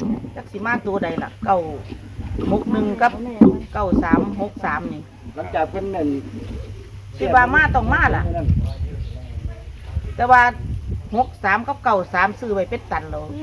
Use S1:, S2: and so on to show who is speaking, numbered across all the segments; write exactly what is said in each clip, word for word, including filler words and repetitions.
S1: จักสิมาตัวใดล่ะเก้าหกหนึ่งกับเก้าสามหกสามนี่
S2: หลังจากเพิ่นนั่น
S1: คิดว่ามาต้องมาล่ะแต่ว่าหกสามกับเก้าสามซื้อไว้เป็นตันแล้ว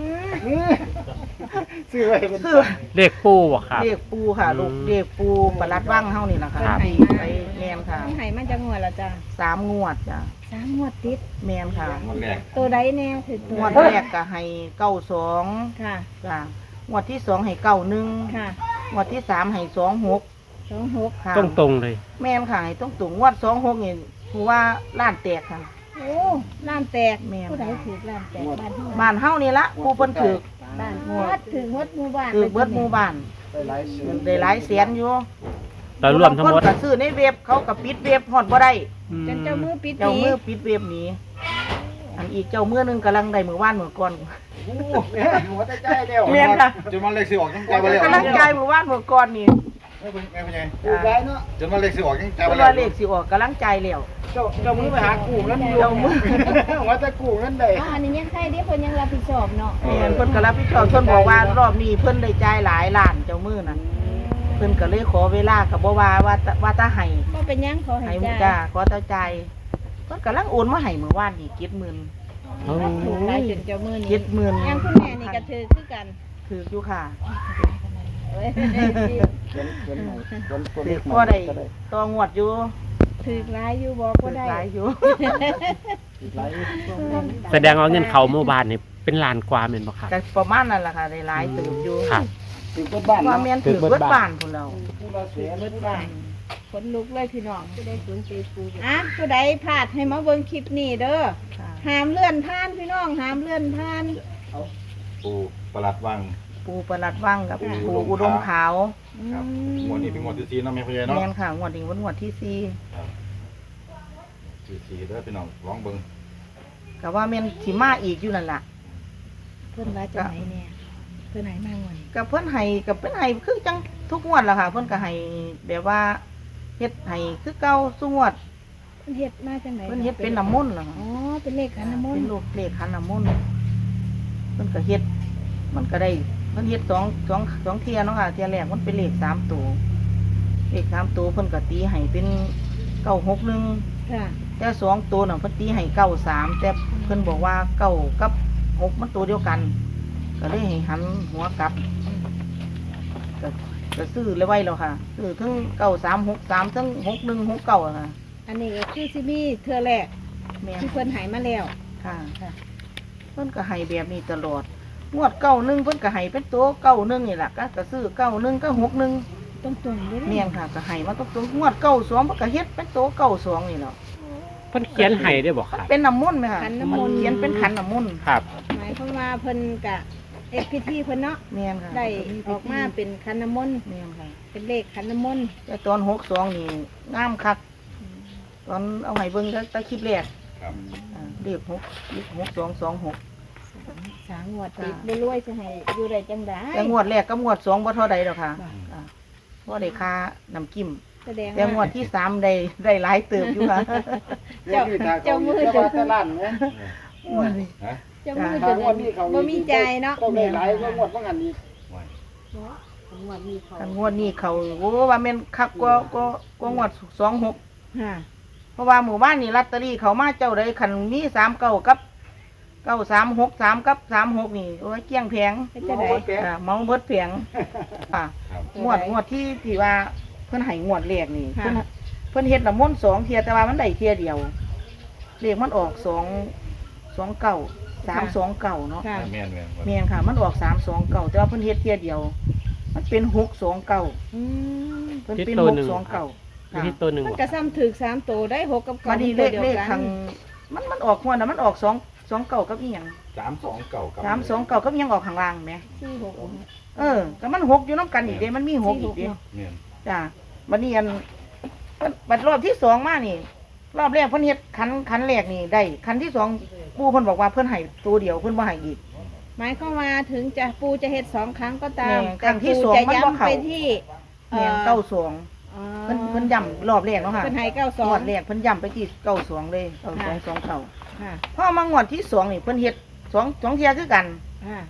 S2: ซื้อไว้เป็น
S1: ซื้อ
S3: เลขปูบ่ครับ
S1: เรียกปูค่ะลูกเรียกปูประหลัดว่างเฮานี่ล่ะค่ะ
S3: ครับ
S1: ไปแมนค่ะ
S4: มันให้มาจากงวดละจ้ะ
S1: สามงวดจ้ะ
S4: สามงวดติด
S1: แมนค่ะ
S5: วันแรก
S4: ตัวใดแน่ถือตัว
S1: งวดแรกก็ให้เก้าสอง
S4: ค่ะ
S1: จ้ะงวดที่สองให้เก้าหนึ่ง
S4: ค่ะ
S1: งวดที่สามให้สองหก
S4: สองหก
S1: ค่ะ
S3: ตรงตรงๆเลย
S1: แม่นค่ะให้ต้องตุงงวดสองหกนี่คือว่าล้านแตกค่ะ
S4: โอ้ล้านแตก
S1: แม่น
S4: ผู้ใดถือล้านแตกบ้านที่
S1: บ้านเฮานี่ละผู้เพิ่นถือ
S4: บ้านวัดถือวัดหมู่บ้าน
S1: ถือเบิดหมู่บ้าน
S2: ได้หลายเสียง
S1: ได้หลายแสนอยู่
S3: เรารวมทั้งหมด
S1: บางคนก็ซื้อในเว็บเขาก็ปิดเว็บฮอดบ่ได้
S3: อืม
S4: จนเจ้ามือปิด
S1: เจ้า
S4: หนี
S1: มือปิดเว็บหนี้อันอีกเจ้ามือหนึงกำลังได้มื้อวานมื้อก่อน
S2: โอ้แม่หัวใจใจเดียว
S1: แม่นค่ะ
S5: จนมันเลขสิออกยังใจไปแล้ว
S1: กำลังจ่ายมื้อวานมื้อก่อนนี่
S5: ไม่เป็นไม่เป็นไง
S2: กูได้เนาะ
S5: จนมันเลขสิออกยังใจ
S1: เพ
S5: ไป
S1: ราะ
S5: แล้
S1: ว่าว เลขสิออกกำลังจ่ายแล้ว
S2: เจ้าเจ้ามือไปหากูนั่น
S1: เจ้ามือ
S2: หัวใจกูนั่นได้
S4: อ๋ออันนี้ยังใครที่เพิ่นยังรับผิดชอบเนาะ
S1: แม่นเพิ่นก็รับผิดชอบเพิ่นบอกว่ารอบนี้เพิ่นได้จ่ายหลายล้านเจ้ามือน่ะเพิ่นก็เลยขอเวลาก็บ่ว่าว่าจะว่าถ้าให้
S4: ก็เป็นหยังขอให้
S1: ให้มุ
S4: จ่าย
S1: จ้าขอเต้าใจเพิ่นกำลังโอนมาให้เมื่อวานนี่เจ็ดหมื่น
S3: โอ้
S4: ถูกหลายจนเจ้ามือนี่
S1: เจ็ดหมื่น
S4: ยังคุณแม่นี่ก็ถือคือกัน
S1: ถืออยู่ค่ะ
S4: เอ้ย
S2: เขียนเขียนใหม่เขียนตัว
S1: ถื
S2: เล
S1: อ
S2: ข
S1: พอได้ต่องวดอยู่
S4: ถือหลายอยู่บอก
S1: ถื
S4: ก็
S1: อ
S4: ได้
S1: หลายอยู่
S2: หลาย
S3: แสดงว่าเงินเขาหมู่บ้านนี่เป็นล้านกว่าแม่นบ่ครับ
S1: ก็ประมาณนั้นแหละค่ะได้หลายถืออยู่
S3: ครับ
S2: ถึงเปิดบ้าน
S1: ว่า
S2: เนาะ
S1: แม่นถือเบิดบ้านพุ่นเรา
S2: ผู้ละเสีย
S4: เบิดบ้านขนลุกเลยพี่น้องผู้ใดสนใจปูอ่ะผู้ใดพลาดให้มาเบิ่งคลิปนี้เด้อ
S1: ค่ะ
S4: ห้ามเลื่อนผ่านพี่น้องห้ามเลื่อนผ่าน
S5: ปูประหลัดวัง
S1: ปูประหลัดว่างกับ
S5: ปู
S1: ปู
S5: อุ
S1: อุ
S5: ด
S1: ด
S5: ม
S1: ม
S5: ขา
S1: ขาว
S5: ครับ
S4: อืม
S5: งวดนี้เป็นงวดที่สี่เนาะแม่พ่อใหญ่เนาะ
S1: แม่นค่ะงวดนี้วันงวดที่สี่
S5: ครับที่สี่เด้อพี่น้องลองเบิ่ง
S1: ก็ว่าแม่นสิมาอีกอยู่นั่นล่ะ
S4: เพิ่นว่าจะไหนเนี่ยเพิ่นไหนมางวดนี้
S1: กับเพิ่นให้กับเพิ่นให้คือจังทุกงวดล่ะค่ะ เพิ่นก็ให้แบบว่าเฮ็ดให้คือเก่าซุงวด
S4: เพิ่นเฮ็ดมาจังไหน
S1: เพิ่นเฮ็ดเป็นน้ำมนต์ล่ะค่ะ
S4: อ๋อเป็นเลขขันน้ำมน
S1: เป็
S4: ต์
S1: นลูกเลขขันน้ำมนต์เพิ่นก็เฮ็ด มันก็ได้เพิ่นเฮ็ดสองสองสองเที่ยเนาะค่ะเที่ยแรกมันเป็นเลขสามตัวเลขสามตัวเพิ่นก็ตีให้เป็นเก้าหกหนึ่ง
S4: ค่ะ
S1: แต่สองตัวน่ะเพิ่นตีให้เก้าสามแต่เพิ่นบอกว่าเก้ากับหกมันตัวเดียวกัน ก็เลยให้หันหัวกลับก็ก็ซื้อเลยไว้แล้วค่ะซื้อทั้งเก้าสามหกสามทั้งหกหนึ่งหกเก้าอะค่ะ
S4: อันนี้ก็คือซิมีเทื่อแรก
S1: แม่น
S4: ที่เพิ่นใหายมาแล้ว
S1: ค่ะ
S4: ค่ะ
S1: เพิ่นก็ให้แบบนี้ตลอดงวดเก้าหนึ่งเพิ่นก็ให้เป็นตัวเก้าหนึ่งนี่แหละก็ก็ซื้อเก้าหนึ่งก็หกหนึ่ง
S4: ต้องตรงๆด้วย
S1: เมียนค่ะก็ให้มาตรงๆงวดเก้าสองเพิ่นก็เฮ็ดเป็นตัวเก้าสองนี่แหละ
S3: เพิ่นเขียนให้ได้บ่ครับ
S1: เป็นน้ำมนต์ไหมค่ะ
S4: ขันน้ำมนต์
S1: เขียนเป็นขันน้ำมนต์
S3: ครับ
S4: หมายความว่าเพิ่นกะเอกพิธีเพิ่นเนาะ
S1: เมียนค่ะ
S4: ได้ออกมาเป็นขันน้ำมนต์
S1: เมียนค่ะ
S4: เป็นเลขขันน้ำมนต์
S1: แต่ตอนหกสองนี่งามคักตอนเอาให้เบิ่งก็ตะคลิปแรก
S5: ครับ
S1: อ่าเรียกหกหกสองสองหก
S4: สามงวดติดบ่รวยจะให้อยู่ได้จังได๋
S1: แต่งวดแรกกับงวดสองบ่เท่าใดหรอกค่ะ
S4: บ่า
S1: อ่าเพราะได้ค่าน้ำจิ้ม
S4: แสดง
S1: แต่งวดที่สามได้ได้หลายเติบอยู่ค่ะ
S2: เจ้าเจ้ามือเจ้าตะลั่นเนี่ย
S5: ฮะ
S4: เจ้ามือ
S2: ทา
S4: จะ
S2: งวันนี้เขา
S4: บ่มีใจเนาะ
S2: ต้องได้หลายก็งวดว่างันอีก
S5: ไว้
S4: งวดนี้เขา
S1: อันงวดนี้เขาโอ้ว่าแม่นคักกว่าก็ก็งวดสองหก
S4: ค่ะ
S1: เพราะว่าหมู่บ้านนี่ลอตเตอรี่เขามาเจ้าใดคันมีสามเก้ากับเก้าสามหกสามกับสามหกนี่โอ้ยเกลี้ยงแพง
S4: เป็นจังได๋
S1: อ่าเมาเบิดแพงอ่า
S5: ครับ
S1: งวดงวดที่ที่ว่าเพิ่นให้งวดแรกนี่เพิ่นเพิ่นเฮ็ดละมนต์สองเทียแต่ว่ามันได้เทียเดียวเลขมันออกสองสองเก้าสามสองเก้าเนาะ
S4: ค่ะ
S5: แม่นแม่น
S1: แม่นค่ะ มันออกสามสองเก้าแต่ว่าเพิ่นเฮ็ดเทียเดียว มันเป็นหกสองเก้า
S4: อืม
S1: เพิ่นเป็น
S3: ที่ตัว
S1: ห
S3: หนึ่
S1: ก
S3: ง
S1: สองเก้า
S3: อยู่ที่ตัวหนึ่ง
S4: มัน
S3: บ่
S4: ก็ซ้ำถึกสามตัวได้หกกับ
S1: มา
S4: เก้า
S1: ดีเลข
S4: ตัว
S1: เล
S4: ดียว
S1: ข
S4: กัน
S1: ทางมันมันออกหัวน่ะมันออกสองสองเก้ากับอีหยัง
S5: สามสองเก่ากับ
S1: สามสองเก้ากับอีหยังออกข้างล่างแหม
S4: สี่หก
S1: เออก็มันหกอยู่น้ำกันอีกเด้มันมีหกอีกเด้
S5: แม่น
S1: จ้าบัดนี้อันเพิ่นบัดรอบที่สองมานี่ รอบแรกเพิ่นเฮ็ดคันคันแรกนี่ได้คันที่สองปู่เพิ่นบอกว่าเพิ่นให้ตัวเดียวเพิ่นบ่ให้อีก
S4: หมายความว่าถึงจะปูจะเฮ็ดสองครั้งก็ตาม
S1: แม่
S4: แต่
S1: ครั้งที่
S4: ปู
S1: สอง
S4: จะ
S1: มันบ่
S4: ย้ำ
S1: เข้า
S4: ไปที่
S1: แม่นเก้าสอง
S4: อ๋อ
S1: เพิ่นเพิ่นย้ำรอบแรกเนาะค่ะ
S4: เพิ่นให้เก้าสอง
S1: งวดแรกเพิ่นย้ำไปที่เก้าสองเลยเก้าสองสองเก้า
S4: ค่ะ
S1: พอมางวดที่สองนี่เพิ่นเฮ็ดสองสองเที่ยคือกัน
S4: ค่ะ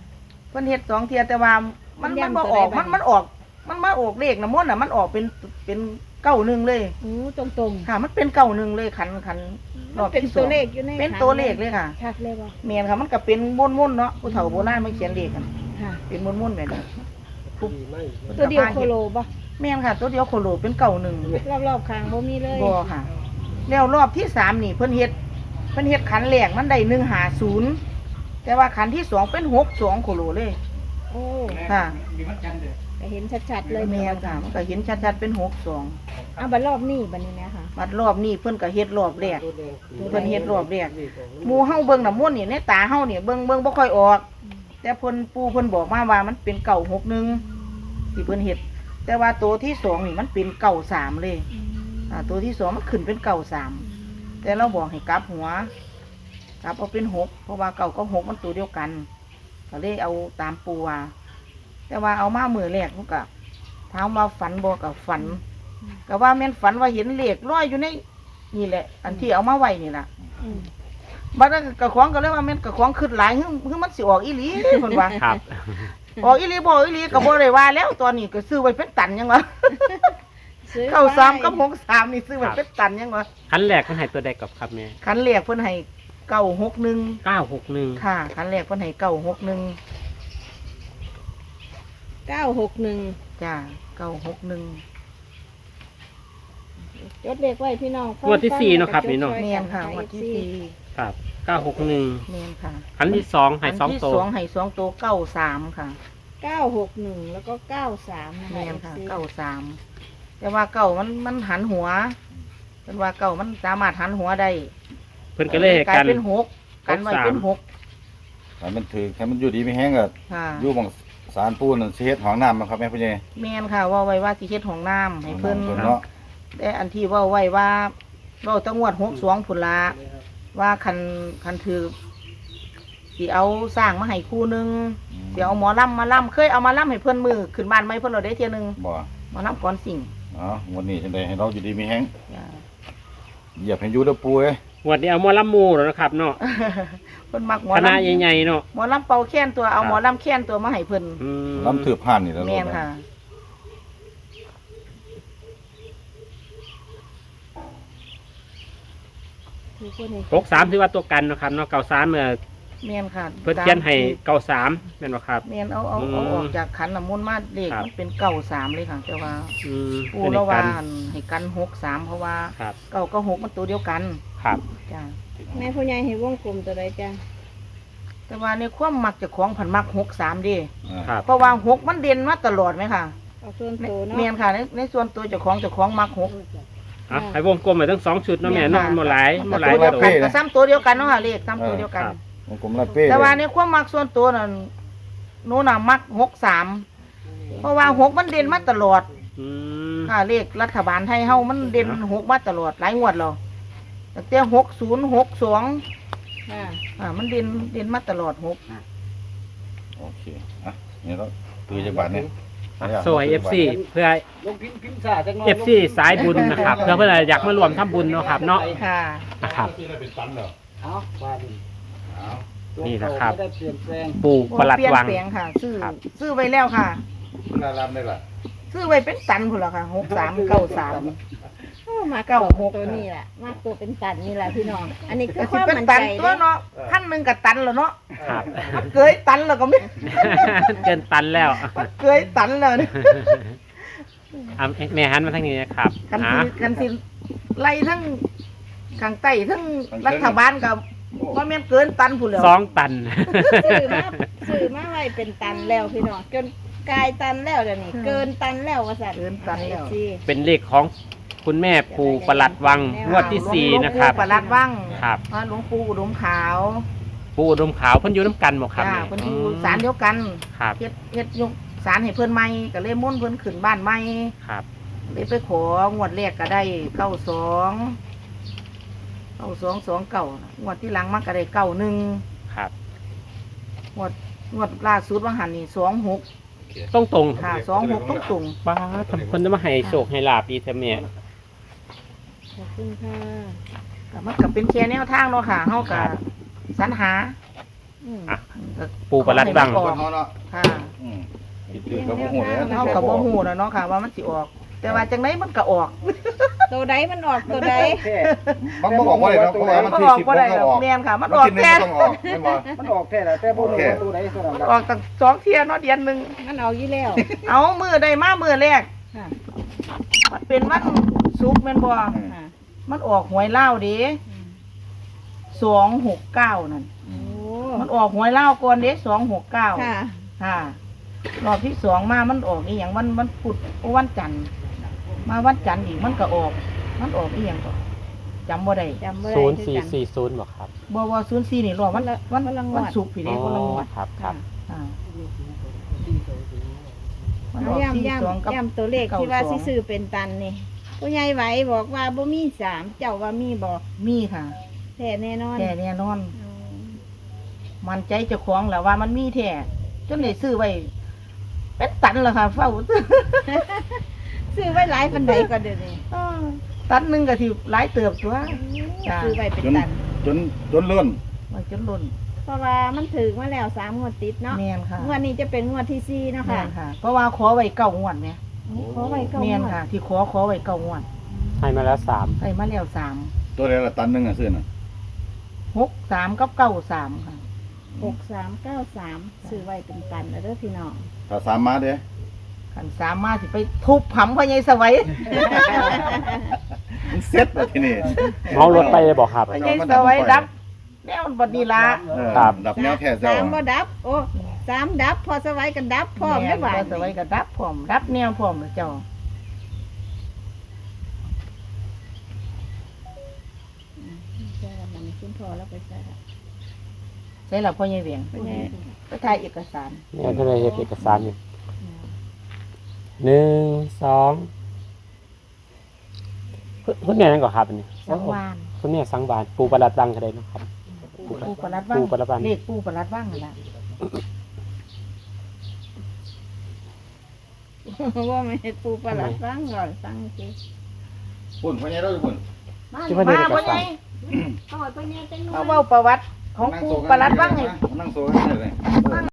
S1: เพิ่นเฮ็ดสองเที่ยแต่ว่ามันมันบ่ออกมันมันออก มันมาออกเลขน้ำมนต์น่ะมันออกเป็นเป็นเก้าหนึ่งเลย
S4: โอ้ตรงตรง
S1: ค่ะ มันเป็นเก้าหนึ่งเลยขันขันรอบ
S4: เป็น
S1: ที่ส
S4: ตั
S1: อ
S4: ว
S1: ง
S4: เลขอยู่ใน
S1: เป็นตัวเลขเลยค่ะ
S4: ชัดเลยบ่
S1: เมียนค่ะมันก็เป็นม้วนๆเนาะผู้เฒ่าโบราณมาเขียนเลขกัน
S4: ค่ะ
S1: เป็นม้วนๆแบบนี้ทุก
S4: ตัวเดียวโคโลบ่
S1: เมียนค่ะ ตัวเดียวโคโลเป็นเก้าหนึ่ง
S4: รอบๆข้างบ่มีเลย
S1: บ่ค่ะ แล้วรอบที่สามนี่เพิ่นเฮ็ดเพิ่นเฮ็ดขันแรกมันได้หนึ่งหาศูนย์แต่ว่าขันที่สองเป็นหกสองโคโลเลย
S4: โอ้
S1: ค่ะ
S4: ก็เห็นชัดๆเลย
S1: เมียนค่ะมันก็เห็นชัดๆเป็นหกสอง
S4: เอาบัดรอบนี้บัดนี้นะคะ
S1: บัดรอบนี้เพิ่นก็เฮ็ดรอบแรกเพิ่นเฮ็ดรอบแรกหมู่เฮาเบิ่งน้ำมนต์นี่ในตาเฮานี่เบิ่งเบิ่งบ่ค่อยออก แต่เพิ่นปู่เพิ่นบอกมาว่ามันเป็นเก้าหกหนึ่งที่เพิ่นเฮ็ดแต่ว่าตัวที่สองนี่มันเป็นเก้าสามเลยอ่าตัวที่สองมันขึ้นเป็นเก้าสามแต่เราบอกให้กลับหัวกลับเอาเป็นหกเพราะว่าเก้ากับหกมันตัวเดียวกันก็เลยเอาตามปู่ว่าแต่ว่าเอามามือแรกมันก็ถามว่าฝันบ่กับฝันก็ว่าแม่นฝันว่าเห็นเลขลอยอยู่ในนี่แหละ อันที่เอามาไว้นี่ล่ะ
S4: อืม
S1: บัดนั้นกระของก็เลยว่าแม่นกระของขึ้นหลายหึ่งหึ่งมันสิออกอีหลีเพิ่นว่า
S3: ครับ
S1: ออกอีหลีบ่ออกอีหลีก็บ่ได้ว่าแล้วตอนนี้ก็ซื้อไว้เป็นตันยังวะ
S4: ซื้อ
S1: เข้าสาม
S4: ไว้
S1: กับหกสามนี่ซื้อไว้เป็นตันยังวะ
S3: คันแรกมันให้ตัวใดกับครับแม่
S1: คันแรกเพิ่นให้เก้าหกหนึ่ง
S3: เก้าหกหนึ่ง
S1: ค่ะคันแรกเพิ่นให้เก้าหกหนึ่ง
S4: เก้าหกหนึ่ง
S1: จ้าเก้าหกหนึ่ง
S4: จดเลขไว้พี่น้อง
S3: งวดที่สี่เนาะครับนี่เนาะ
S1: แม่นค่ะงวันที่สี่
S3: ครับเก้าหกหนึ่ง
S1: แม่นค่ะ
S3: คันที่สองให้สอง
S1: คันที่
S3: ตัว
S1: สองให้สองตัวเก้าสามค่ะ
S4: เก้าหกหนึ่งแล้วก็เก้าสามนะคะ
S1: แม่นค่ะ
S4: เอฟซี
S1: เก้าสามแต่ว่าเก้ามันมันหันหัวเพิ่นว่าเก้ามันสามารถหันหัวได้
S3: เพิ่นก็เลยให้
S1: กลา
S3: กั
S1: ย
S3: น
S1: เป็นหกกันไว้เป็นหก
S5: ให้มันถือให้มันอยู่ดีไม่แห้งก็
S1: ค่ะ
S5: อยู่บังสารปูนนั่นสิเฮ็ดห้องน้ำนะครับแม่ผู้ใหญ่
S1: แม่นค่ะว่าไว้ว่าสิเฮ็ดห้องน้ำให้เพิ่น
S5: ห้องำเนาะ
S1: แต่อันที่เว่าไว้ว่าเว้าตั้งงวดหกสองพุ่นละว่าคันคันถือสิเอาสร้างมาให้คู่หนึงสิเอาหมอลำมาลำเคยเอามาลำให้เพิ่นมือขึ้นบ้านไหมเพิ่นเราได้เที่ยหนึง
S5: บ่
S1: หมอลำก่อนสิ่ง
S5: เนาะวันนี้จังได๋ให้เราอยู่ดีมีแห้ง
S1: จ้ะ
S5: เหยียบให้อยู่เด้อปูเอ้ย
S3: งวดนี้เอาหมอลำหมูแล้วนะครับเนาะ
S1: เพิ่นมักหมอ
S3: คณะ
S1: ลำ
S3: ใหญ่ๆเนาะ
S1: หมอลำเป่าแค้นตัวเอา
S3: ครับ
S1: หมอลำแค้นตัวมาให้เพิ่น
S3: อืม
S5: ลำถือผ่านนี่แล้ว
S1: แม่นค่ะ
S4: มีคนเห็น
S3: หกสามถือว่าตัวกันเนาะครับเนาะเก้าสามเมื่อ
S1: แม่นค่ะ
S3: เพิ่นเขียนให้เก้าสามแม่นบ่ครับ
S1: แม่นเอาเอาเอา
S3: อืม
S1: ออกจากขันน้ำมนต์มาเลข
S3: ครับ
S1: มันเป็นเก้าสามเลยค่ะแต่ว่า
S3: อืม
S1: ปู
S3: เป็น
S1: ละ
S3: กั
S1: ว่าน ให้กันหกสามเพราะว่า
S3: ครับ
S1: เก้าก็หกมันตัวเดียวกัน
S3: ครับ
S1: จ้า
S4: แม่ผู้ใหญ่ให้วงกลมตัวใดจ้ะ
S1: แต่ว่าในความมักเจะของผันมักหกสามดิ
S5: อ่า
S3: ครับ
S1: เพราะว่าหกมันเด่นมาตลอดไหมค่ะ
S4: เอาส่วนตัวเนาะ
S1: เมียนค่ะในในส่วนตัวเจ้าของเจ้าของมักหก
S3: อ่ะให้วงกลมไปทั้งสองชุดเนาะแม่เนาะ
S1: ค่ะ
S3: หมดหลายหม
S1: ก็
S3: ดหลาย
S1: ตัวเดียว
S3: ตัว
S1: กันก็ซ้ำตัวเดียวกันเนาะค่ะเลขซ้ำตัวเดียวกัน
S3: ครับ
S5: วงกลมลาเป้
S1: แต่ว่าใน
S5: เลย
S1: ความมักส่วนตัวนั่นหนูน่ะมักหกสามเพราะว่าหกมันเด่นมาตลอด
S3: อืม
S1: ค่ะเลขรัฐบาลไทยเฮามันเด่นหกมาตลอดหลายงวดแล้วตั้งแต่หกศูนย์หกสอง
S4: ค่ะ
S1: อ่ามันเด่นเด่นมาตลอดหก
S5: โอเคอ่ะนี่เราตือจักบาทเนี่ย
S3: สวย เอฟ ซี เพื่อ
S2: ลงพิมพ์พิมพ์ซาจักหน่อย
S3: เอฟ ซี สายบุญนะครับ เพื่อเพื่อนอยากมารวมทำบุญเนาะครับเนาะ
S1: ค่ะ
S3: นะครับ
S2: เอาว่าดิเอา
S3: นี่นะครับ
S2: ไม่ได้เปลี่ยนแปลง
S3: ปู่ประหลัด
S1: เปลี่ยน
S3: วัง
S1: แปลงค่ะ ซื้อ
S3: ครับ
S1: ซื้อไว้แล้วค่ะ
S5: น่ารำได้ล่ะ
S1: ซื้อไว้เป็นตันพุ่นละค่ะหกสามเก้าสาม
S4: โอ้มา
S1: เก้า
S4: เก้า
S1: ห
S4: ห
S1: ก
S4: กตัวนี้แหละมากตัวเป็นตันนี่แหละพี่น้อง อันนี้คื
S1: ก็
S4: อค
S1: สิ
S4: วาม
S1: เป็น
S4: มั่น
S1: ตั
S4: ใจ
S1: นตัว
S4: เด้อ
S1: เนาะพันหนึ่งกับตันแล้วเนาะ
S3: ครับ
S1: เกยตันแล้วก็ไม่
S3: เกินตันแล้ว
S1: เกยตันแล้วเนี่ย
S3: อ่ะแม่หันมาทางนี้นะครับ
S1: กัน
S3: อ่ะ
S1: สิกันสิไล่ทั้งข้างใต้ทั้งรัฐบาลกับว่าแม่นเกินตันพุ่นแล้ว
S3: สองตัน
S4: ซื้อมาซื้อมาไว้เป็นตันแล้วพี่น้องจนกลายตันแล้วเดี๋ยวนี้เกินตันแล้วว่าสัตว์
S1: เกินตันแล้ว
S4: สิ
S3: เป็นเลขของคุณแม่ปู่ประหลัดวังงวดที่สี่นะครับ
S1: หลวงปู่ประหลัดวัง
S3: ครับ
S1: พระหลวงปู่อุดมขาว
S3: ปู่อุดมขาวเพิ่นอยู่น้ำกันบอกครับ
S1: จ้า
S3: แม่
S1: เพิ่นอยู่ศาลเดียวกัน
S3: ครับ
S1: เฮ็ดเฮ็ดยกศาลให้เพิ่นใหม่ก็เลยมุ่นต์เพิ่นขึ้นบ้านใหม่
S3: ครับ
S1: เลยไปของวดแรกก็ได้เก้าสองเก้าสองสองเก้างวดที่หลังมันก็ได้เก้าหนึ่ง
S3: ครับ
S1: งวดงวดล่าสุดว่าหันนี่สองหก
S3: ต้องตรง
S1: ค่ะสองหกต้องตรง
S3: ป้าทำคนจะมาให้โชคให้ลาบดีเถอะแม่
S4: ขอบคุณค่ะ
S1: ก็มันก็เป็นแค่แนวทางเนาะค่ะเฮาก็
S3: ครับ
S1: สรรหา
S4: อืม
S3: อ่ะ ปูประลัดบัง
S5: คนเขาเนาะ
S1: ค่ะ
S5: อืมคิดถือกับโมโหเลยนะ
S1: เฮาก็บ่ฮู้แล้วเนาะค่ะ ว่ามันสิออก แต่ว่าจังไดมันก็ออก
S4: ตัวใดมันออกตัวใด
S2: แท้
S5: บางบอกว่าอะไรเนาะเพราะว่ามัน
S1: มัน
S5: ที่
S1: ออก
S5: สิบ
S1: บ่
S5: มัน
S1: ได้
S5: ก็
S1: หรอ
S5: อก อก
S1: แม่นค่ะ มัน
S5: มัน
S1: ออก
S5: ที่หนึ่ง
S1: แค่
S5: ก็ต้องออกไม่บอก
S2: มันออกแท้แล้วแต่บ่รู้ว่าตัวใดเท่านั้น
S1: มัน
S2: ล่ะ
S1: ออกตั้งสองเที่ยเนาะเดือนหนึง
S4: มันออกอยู่แล้ว
S1: เอามื้อใดมามื้อแรก
S4: ค่ะ
S1: มันเป็นวันศุกร์แม่นบ่
S4: ค่ะ
S1: มันออกหวยลาวเด้
S4: อืม
S1: สองหกเก้านั่น
S4: โอ้
S1: มันออกหวยลาวก่อนเด้สองหกเก้า
S4: ค่ะ
S1: ค่ะรอบที่สองมามันออกอีหยังมันมันพุธโอ้วันจันทร์มาวันจันทร์อีกมันก็ออก มันออกอีหยังก็จำบ่ได้
S4: จำบ่ได้
S3: ศูนย์
S4: คือ
S3: สี่
S4: กัน
S3: สี่ศูนย์บอกครับ
S1: บ่ว่าศูนย์สี่นี่รอบวัน
S4: คนละ
S1: วัน
S4: คนละงวด
S1: วันศุกร์พี่เด้คนละงวด
S3: ครับครับ
S1: อ่ามัน
S4: เอา
S1: ออก
S4: ย่ำ
S1: สี่
S4: ย่
S1: สองกับ
S4: ำย่ำตัวเลขที่ว่าสิซื้อเป็นตันนี่ผู้ใหญ่ไหวบอกว่าบ่มีสามเจ้าว่ามีบอก
S1: มีค่ะ
S4: แท้แน่นอน
S1: แท้แน่นอน
S4: อืม
S1: มันใจเจ้าของแหล้วว่ามันมีแท้จนได้ซื้อไว้เป็นตันแล้วค่ะ เฝ้า
S4: ซื้อไว้หลายปันใดก็เดี๋ยวนี้
S1: เออตันหนึงก็สิหลายเติบตัว จ้ะ
S4: ซื้อไว้เป็น
S5: จน
S4: ตัน
S5: จนจนเลื่อน
S1: มันจนล้น
S4: เพราะว่ามันถึงมาแล้วสามงวดติดเนาะ
S1: แม่นค่ะ
S4: งวดนี้จะเป็นงวดที่สี่เนาะ
S1: แม่
S4: ค่ะ
S1: นค่ะ เพราะว่าขอไว้เก้างวดเนี่ย
S4: ขอไว้เก้า
S1: แม่น
S4: งวด
S1: ค่ะ ที่ขอขอไว้เก้างวด
S3: ให้มาแล้วสาม
S1: ใส่มาแล้วสาม
S5: ตัวเดียวละตันหนึงอ่ะซื้อน่ะ
S1: หกสามกับเก้าสามค่ะ
S4: หกสามเก้าสามซื้อไว้เป็นตันแล้วเด้อพี่น้อง
S5: ถ้าสามมาเด้
S1: ขันสามมาสิไปทุบผำพ่อใหญ่สวัย
S5: มันเซ็ตแล้วทีนี้
S3: เมารถไปเลยบอกครับ
S1: พ่อใหญ่สวัยดับแนวมันบดนีละ
S5: เออ
S3: ครับ
S5: ดับแนวแท้เจ้า
S4: สามบ่ดับ โอ้สามดับ พอสวัยกันดับพร้อม
S1: แม่
S4: ได้
S1: น
S4: บ่า
S1: พ่อสวัยก็ดับพร้อมดับแนวพร้อมแล้วเจ้า
S4: ใช่มันขึ้นพอแล้วไปใส่ละ
S1: ใช่แล้วพ่อใหญ่เวียง
S4: พ่อใหญ่
S1: ไปถ่ายเอกสาร
S3: เนี่ยท่านได้เห็นเอกสารอยู่หนึ่งสองเพิ่นเพิ่นเนี่ยนั่นก่อนครับอันนี้
S1: สังวาน
S3: เพิ่นเนี่ยสังวานปูประหลัดบังก็ได้เนาะครับ
S1: ปูประลัดว่าง
S3: ปูประลัดว่าง
S1: เลขปูประลัดว่างนั่นแหละ
S4: ว่าไม่ให้ปูประหลัดฟังก่อนฟังสิ
S5: ปุ่นพ่อใหญ่เราอยู่ปุ่น
S3: ที่เพิ่นได้
S1: มา
S3: เอก
S1: พ่อให
S3: สา
S1: ญ่
S3: ร
S4: เอาไว้พ่อใหญ่จังหน่อย
S1: เอาเว้าประวัติของปูประลัดว่างให้
S5: นั่งโซ่กันได้เลย